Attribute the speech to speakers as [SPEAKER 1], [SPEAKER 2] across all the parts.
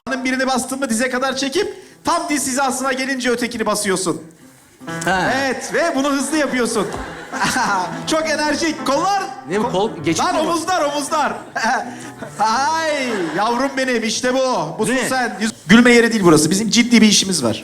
[SPEAKER 1] Birini bastın mı dize kadar çekip tam diz hizasına gelince ötekini basıyorsun.
[SPEAKER 2] Ha.
[SPEAKER 1] Evet ve bunu hızlı yapıyorsun. Çok enerjik. Kollar.
[SPEAKER 2] Ne bu kol? Geçit
[SPEAKER 1] Lan
[SPEAKER 2] mi bu?
[SPEAKER 1] omuzlar. Ay yavrum benim işte bu. Busun
[SPEAKER 2] Ne?
[SPEAKER 1] sen. Gülme yeri değil burası. Bizim ciddi bir işimiz var.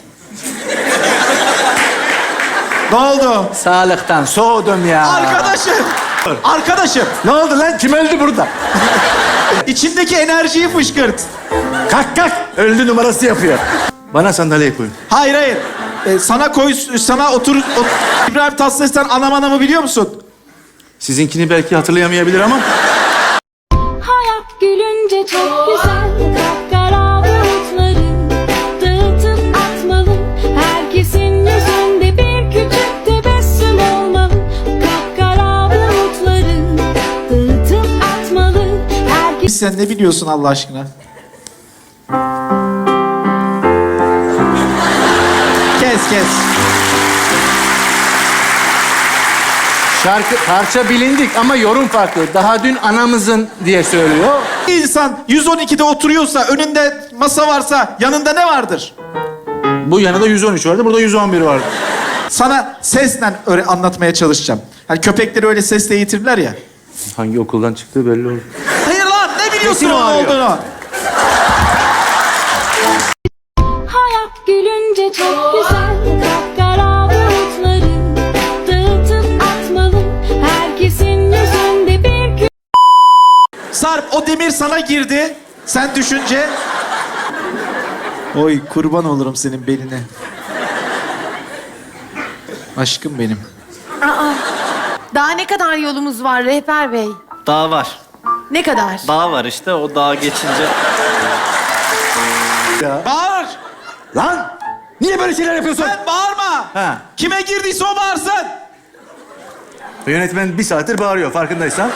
[SPEAKER 1] Ne oldu?
[SPEAKER 2] Sağlıktan soğudum ya.
[SPEAKER 1] Arkadaşım.
[SPEAKER 2] Ne oldu lan? Kim öldü burada?
[SPEAKER 1] İçindeki enerjiyi fışkırt.
[SPEAKER 2] Kalk kalk. Öldü numarası yapıyor. Bana sandalye koyun.
[SPEAKER 1] Hayır. Sana otur. İbrahim Tatlıses'ten anam anamı biliyor musun?
[SPEAKER 2] Sizinkini belki hatırlayamayabilir ama.
[SPEAKER 3] Hayat gülünce çok güzel. Kapkara bulutları dağıtıp atmalı. Herkesin yüzünde bir küçük tebessüm olmalı. Kapkara bulutları dağıtıp atmalı.
[SPEAKER 1] Sen ne biliyorsun Allah aşkına? Kes.
[SPEAKER 2] Şarkı parça bilindik ama yorum farklı. Daha dün anamızın diye söylüyor.
[SPEAKER 1] Bir insan 112'de oturuyorsa, önünde masa varsa yanında ne vardır?
[SPEAKER 2] Bu yanında 113 vardı, burada 111 vardı.
[SPEAKER 1] Sana sesle öyle anlatmaya çalışacağım. Hani köpekleri öyle sesle eğitirler ya.
[SPEAKER 2] Hangi okuldan çıktığı belli oldu.
[SPEAKER 1] Hayır lan ne biliyorsun
[SPEAKER 2] Sesini
[SPEAKER 1] onun
[SPEAKER 2] ağrıyor.
[SPEAKER 1] olduğunu?
[SPEAKER 3] Hayat gülünce çok güzel. Kapkara bulutları dağıtıp atmalı. Herkesin yüzünde bir
[SPEAKER 1] Sarp o demir sana girdi. Sen düşünce... Oy kurban olurum senin beline. Aşkım benim.
[SPEAKER 4] Daha ne kadar yolumuz var rehber bey?
[SPEAKER 5] Dağ var.
[SPEAKER 4] Ne kadar?
[SPEAKER 5] Dağ var işte. O dağa geçince...
[SPEAKER 1] Bağır!
[SPEAKER 2] Lan! Niye böyle şeyler yapıyorsun?
[SPEAKER 1] Sen bağırma!
[SPEAKER 2] Ha.
[SPEAKER 1] Kime girdiyse o bağırsın!
[SPEAKER 2] Yönetmen bir saattir bağırıyor farkındaysan.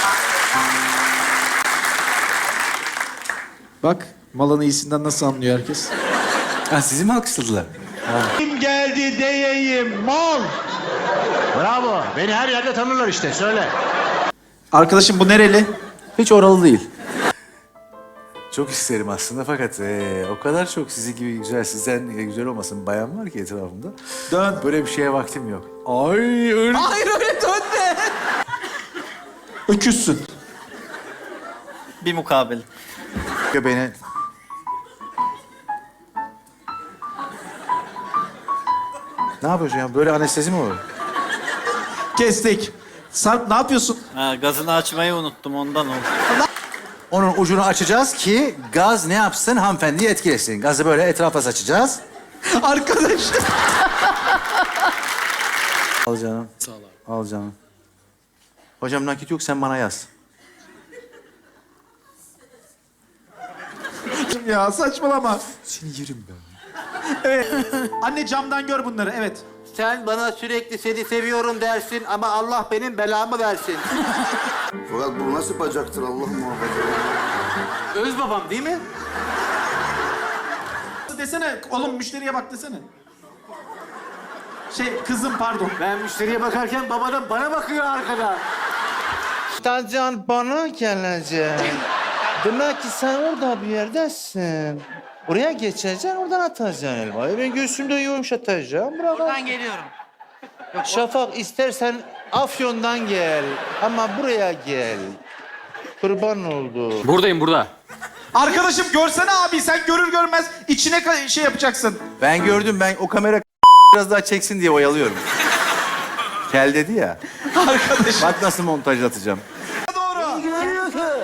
[SPEAKER 1] Bak malın iyisinden nasıl anlıyor herkes?
[SPEAKER 2] Ha, sizi mi alkışladılar?
[SPEAKER 1] Kim geldi diyeyim mal!
[SPEAKER 6] Bravo. Beni her yerde tanırlar işte. Söyle.
[SPEAKER 1] Arkadaşım bu nereli?
[SPEAKER 2] Hiç oralı değil. Çok isterim aslında fakat o kadar çok sizi gibi güzel, sizden güzel olmasın bayan var ki etrafımda.
[SPEAKER 1] Dön.
[SPEAKER 2] Böyle bir şeye vaktim yok. Ay öyle.
[SPEAKER 1] Hayır öyle dönme! Öküzsün.
[SPEAKER 5] Bir mukabele.
[SPEAKER 2] Beni... Ne yapıyorsun ya? Böyle anestezi mi olur?
[SPEAKER 1] Kestik. Sarp ne yapıyorsun?
[SPEAKER 5] Ha, gazını açmayı unuttum ondan oldu.
[SPEAKER 2] Onun ucunu açacağız ki gaz ne yapsın hanımefendiyi etkilesin. Gazı böyle etrafa saçacağız.
[SPEAKER 1] Arkadaş.
[SPEAKER 2] Al canım. Sağ ol abi. Al canım. Hocam nakit yok sen bana yaz.
[SPEAKER 1] Ya saçmalama.
[SPEAKER 2] Seni yerim ben.
[SPEAKER 1] Evet. Anne camdan gör bunları evet.
[SPEAKER 6] Sen bana sürekli seni seviyorum dersin ama Allah benim belamı versin.
[SPEAKER 7] Fakat bu nasıl bacaktır Allah muhafaza.
[SPEAKER 6] Öz babam değil mi?
[SPEAKER 1] Desene oğlum müşteriye bak desene. Kızım pardon.
[SPEAKER 6] Ben müşteriye bakarken babadan bana bakıyor arkada.
[SPEAKER 8] Tacan bana gelecek. Demek ki sen orada bir yerdesin. Oraya geçeceksin, oradan atacaksın elmayı. Ben göğsümde yumuşatacağım. Buradan geliyorum. Şafak istersen Afyon'dan gel. Ama buraya gel. Kurban oldu.
[SPEAKER 9] Buradayım burada.
[SPEAKER 1] Arkadaşım görsene abi sen görür görmez içine şey yapacaksın.
[SPEAKER 2] Ben gördüm ben o kamera biraz daha çeksin diye oyalıyorum. Kel dedi ya.
[SPEAKER 1] Arkadaşım.
[SPEAKER 2] Bak nasıl montajlatacağım.
[SPEAKER 1] Doğru. Ne yapıyorsun?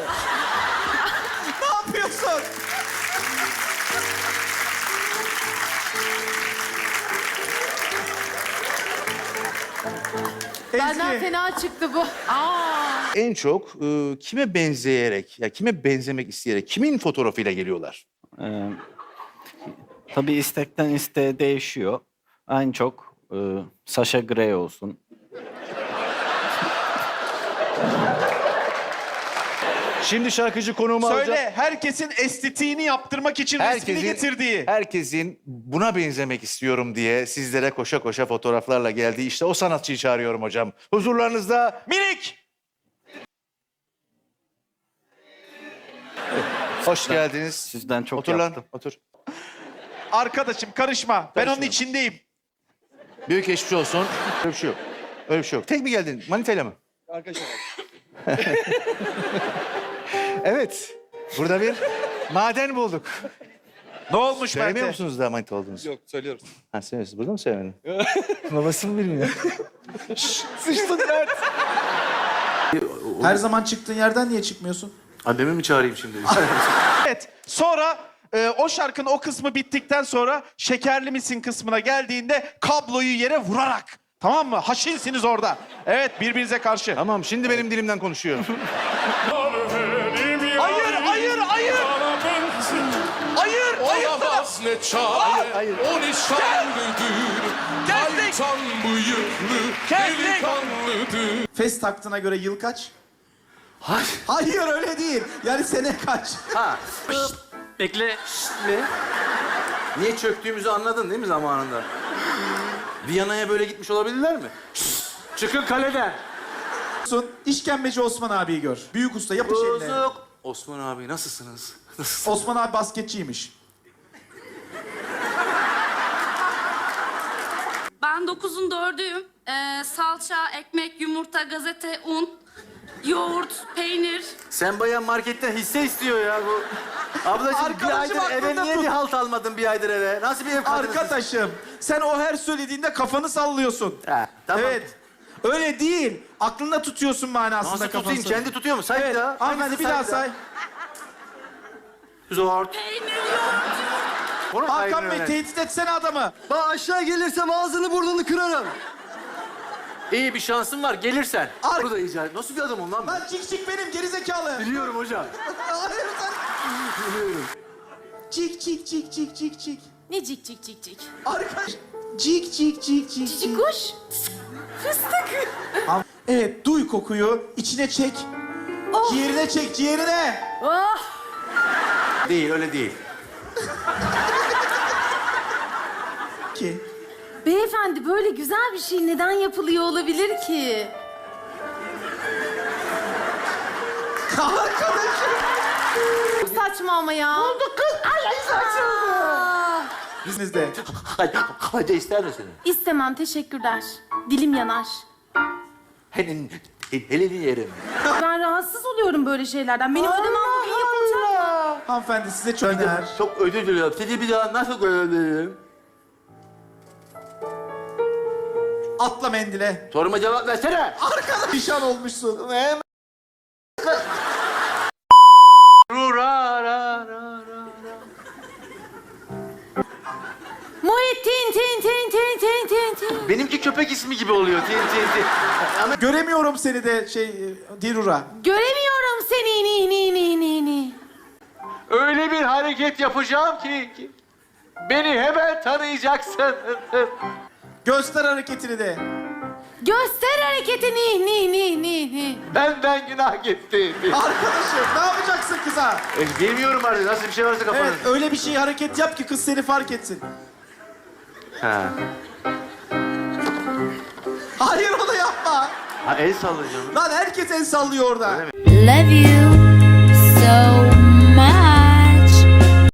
[SPEAKER 4] Benden
[SPEAKER 1] Ezgi.
[SPEAKER 4] fena çıktı bu.
[SPEAKER 8] En çok kime benzeyerek, ya kime benzemek isteyerek, kimin fotoğrafıyla geliyorlar?
[SPEAKER 5] Tabii istekten isteğe değişiyor. En çok Sasha Grey olsun.
[SPEAKER 8] Şimdi şarkıcı konuğumu alacağım.
[SPEAKER 1] Söyle herkesin estetiğini yaptırmak için resmini getirdiği.
[SPEAKER 8] Herkesin buna benzemek istiyorum diye sizlere koşa koşa fotoğraflarla geldiği işte o sanatçıyı çağırıyorum hocam. Huzurlarınızda
[SPEAKER 1] Minik.
[SPEAKER 8] Hoş geldiniz.
[SPEAKER 5] Sizden çok
[SPEAKER 8] Otur
[SPEAKER 5] yaptım.
[SPEAKER 8] lan, otur.
[SPEAKER 1] Arkadaşım karışma. Ben onun
[SPEAKER 8] Karışma.
[SPEAKER 1] içindeyim.
[SPEAKER 8] Büyük geçmiş olsun. Öyle bir şey yok. Öyle bir şey yok. Tek mi geldin? Manitayla mı? Arkadaşlar. Evet. Burada bir maden bulduk.
[SPEAKER 1] Ne olmuş
[SPEAKER 8] Söylemiyor
[SPEAKER 1] Mert'e?
[SPEAKER 8] musunuz daha manita olduğunuzu?
[SPEAKER 9] Yok söylüyoruz.
[SPEAKER 8] Ha söylüyorsunuz. Burada mı söylemedin? Babası mı bilmiyor?
[SPEAKER 1] Sıçtın Mert. Her zaman çıktığın yerden niye çıkmıyorsun?
[SPEAKER 2] Annemi mi çağırayım şimdi?
[SPEAKER 1] Evet. Sonra o şarkının o kısmı bittikten sonra şekerli misin kısmına geldiğinde kabloyu yere vurarak. Tamam mı? Haşinsiniz orada. Evet, birbirinize karşı.
[SPEAKER 8] Tamam şimdi benim dilimden konuşuyor.
[SPEAKER 1] Hayır, hayır, hayır. Hayır, hayır.
[SPEAKER 10] Olamaz ne çare, o nişanlıdır. Kaytan bıyıklı, delikanlıdır.
[SPEAKER 1] Fes taktığına göre yıl kaç? Hayır öyle değil. Yani sene kaç?
[SPEAKER 6] Bekle. Ne? Niye çöktüğümüzü anladın değil mi zamanında? Viyana'ya böyle gitmiş olabilirler mi? Çıkın kaleden.
[SPEAKER 1] İşkembeci Osman abiyi gör. Büyük usta yapış eline.
[SPEAKER 6] Bozuk. Osman abi nasılsınız?
[SPEAKER 1] Osman abi basketçiymiş.
[SPEAKER 3] Ben 9'un 4'üyüm. Salça, ekmek, yumurta, gazete, un, yoğurt, peynir.
[SPEAKER 6] Sen bayağı marketten hisse istiyor ya bu. Ablacığım bir
[SPEAKER 1] Arkadaşım
[SPEAKER 6] aydır eve
[SPEAKER 1] aklında
[SPEAKER 6] niye
[SPEAKER 1] tut.
[SPEAKER 6] bir halt almadın bir aydır eve? Nasıl bir ev kadınısın?
[SPEAKER 1] Arkadaşım sen o her söylediğinde kafanı sallıyorsun.
[SPEAKER 6] Ha, tamam.
[SPEAKER 1] Evet. Öyle değil. Aklında tutuyorsun manasında
[SPEAKER 6] Nasıl tutayım?
[SPEAKER 1] kafanı.
[SPEAKER 6] Kendi tutuyor mu? Say
[SPEAKER 1] Evet.
[SPEAKER 6] bir daha.
[SPEAKER 1] Hanımefendi bir daha say.
[SPEAKER 6] Zor.
[SPEAKER 3] Peynir, yoğurt.
[SPEAKER 6] Onu
[SPEAKER 1] Hakan
[SPEAKER 6] kaybını
[SPEAKER 1] Bey
[SPEAKER 6] öğren.
[SPEAKER 1] tehdit etsene adamı.
[SPEAKER 6] Ben aşağı gelirsem ağzını burnunu kırarım. İyi bir şansın var gelirsen.
[SPEAKER 1] Ar-
[SPEAKER 6] Burada icat. Nasıl bir adamım lan ben?
[SPEAKER 1] Lan cik cik benim gerizekalı.
[SPEAKER 6] Biliyorum hocam.
[SPEAKER 1] Hayır sen.
[SPEAKER 6] Biliyorum.
[SPEAKER 1] Cik cik cik cik cik cik.
[SPEAKER 4] Ne cik cik cik cik.
[SPEAKER 1] Arkadaş. Cik cik cik cik
[SPEAKER 4] Cici
[SPEAKER 1] cik.
[SPEAKER 4] kuş. Fıstık.
[SPEAKER 1] Evet duy kokuyu içine çek.
[SPEAKER 4] Oh.
[SPEAKER 1] Ciğerine çek ciğerine.
[SPEAKER 4] Oh.
[SPEAKER 6] Değil öyle değil.
[SPEAKER 1] Ki.
[SPEAKER 4] Beyefendi böyle güzel bir şey neden yapılıyor olabilir ki?
[SPEAKER 1] Arkadaşım.
[SPEAKER 4] Çok saçma ama ya. Oldu kız. Ay saçma.
[SPEAKER 1] Bizimizde.
[SPEAKER 6] Hadi ister misin?
[SPEAKER 4] İstemem teşekkürler. Dilim yanar.
[SPEAKER 6] Elini yerim.
[SPEAKER 4] Ben rahatsız oluyorum böyle şeylerden. Benim ödemem bugün yapılacak mı?
[SPEAKER 1] Hanımefendi size çok öner.
[SPEAKER 6] Çok özür diliyorum. Seni bir daha nasıl görebilirim?
[SPEAKER 1] Atla mendile.
[SPEAKER 6] Soruma cevap versene.
[SPEAKER 1] Arkadaş. Pişan olmuşsun.
[SPEAKER 4] Muhittin tin tin tin tin tin tin.
[SPEAKER 6] Benimki köpek ismi gibi oluyor. Ama
[SPEAKER 1] Göremiyorum seni de Dirura.
[SPEAKER 4] Göremiyorum seni ni ni ni ni ni.
[SPEAKER 6] öyle bir hareket yapacağım ki beni hemen tanıyacaksın.
[SPEAKER 1] Göster hareketini de.
[SPEAKER 4] Göster hareketi ni ni ni ni ni.
[SPEAKER 6] Benden günah gitti.
[SPEAKER 1] Arkadaşım ne yapacaksın kıza?
[SPEAKER 6] Bilmiyorum artık nasıl bir şey varsa kafanın.
[SPEAKER 1] Evet öyle bir şey hareket yap ki kız seni fark etsin.
[SPEAKER 6] Ha.
[SPEAKER 1] Hayır onu yapma.
[SPEAKER 6] Ha el sallayacağım.
[SPEAKER 1] Lan herkes el sallıyor orada.
[SPEAKER 3] Love you so